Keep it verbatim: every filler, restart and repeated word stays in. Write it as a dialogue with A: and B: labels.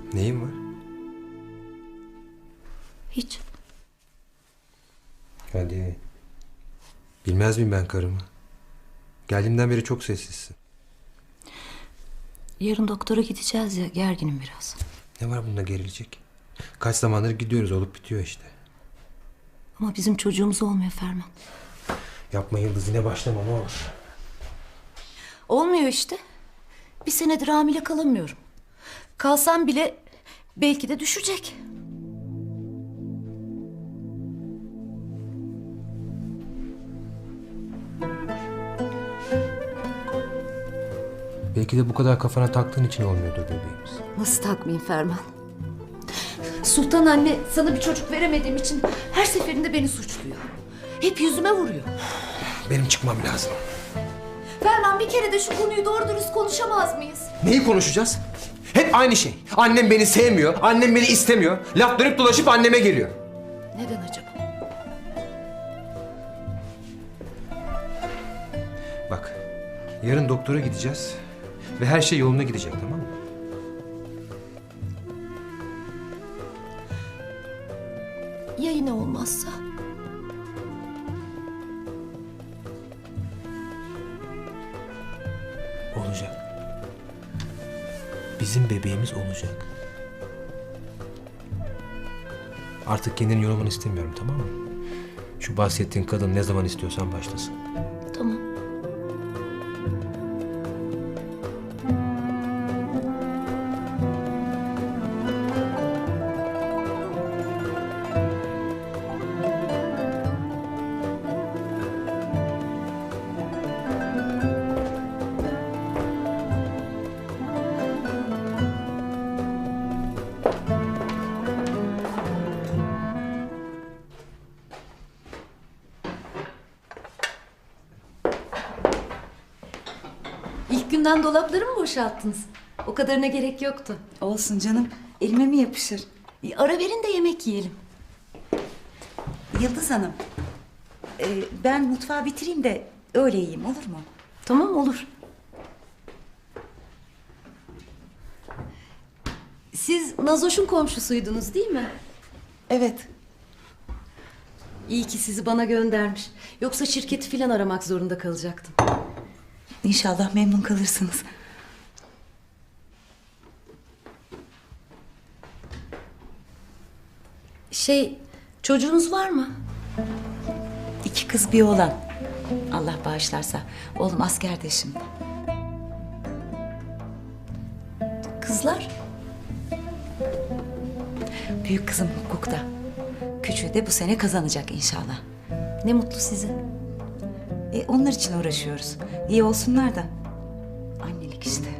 A: Neyin var?
B: Hiç.
A: Hadi. Bilmez miyim ben karımı? Geldiğimden beri çok sessizsin.
B: Yarın doktora gideceğiz ya, gerginim biraz.
A: Ne var bunda gerilecek? Kaç zamandır gidiyoruz, olup bitiyor işte.
B: Ama bizim çocuğumuz olmuyor Ferman.
A: Yapma Yıldız, yine başlama ne olur.
B: Olmuyor işte. Bir senedir hamile kalamıyorum. Kalsam bile belki de düşecek.
A: Belki de bu kadar kafana taktığın için olmuyordur bebeğimiz.
B: Nasıl takmayayım Ferman? Sultan anne sana bir çocuk veremediğim için her seferinde beni suçluyor. Hep yüzüme vuruyor.
A: Benim çıkmam lazım.
B: Ferman, bir kere de şu konuyu doğru dürüst konuşamaz mıyız?
A: Neyi konuşacağız? Hep aynı şey. Annem beni sevmiyor, annem beni istemiyor. Laf dönüp dolaşıp anneme geliyor.
B: Neden acaba?
A: Bak, yarın doktora gideceğiz ve her şey yoluna gidecek, tamam mı?
B: Ya yine olmazsa?
A: Olacak. Bizim bebeğimiz olacak. Artık kendini yorulmanı istemiyorum, tamam mı? Şu bahsettiğin kadın ne zaman istiyorsan başlasın.
B: Tamam. İlk günden dolapları mı boşalttınız? O kadarına gerek yoktu.
C: Olsun canım. Elime mi yapışır?
B: E, ara verin de yemek yiyelim.
C: Yıldız Hanım. e, ben mutfağı bitireyim de öyle yiyeyim, olur mu?
B: Tamam, olur. Siz Nazoş'un komşusuydunuz değil mi?
C: Evet.
B: İyi ki sizi bana göndermiş. Yoksa şirketi filan aramak zorunda kalacaktım.
C: İnşallah memnun kalırsınız.
B: Şey, çocuğunuz var mı?
C: İki kız bir oğlan. Allah bağışlarsa. Oğlum askerde şimdi.
B: Kızlar?
C: Büyük kızım hukukta. Küçüğü de bu sene kazanacak inşallah.
B: Ne mutlu size.
C: E, onlar için uğraşıyoruz. İyi olsunlar da. Annelik işte.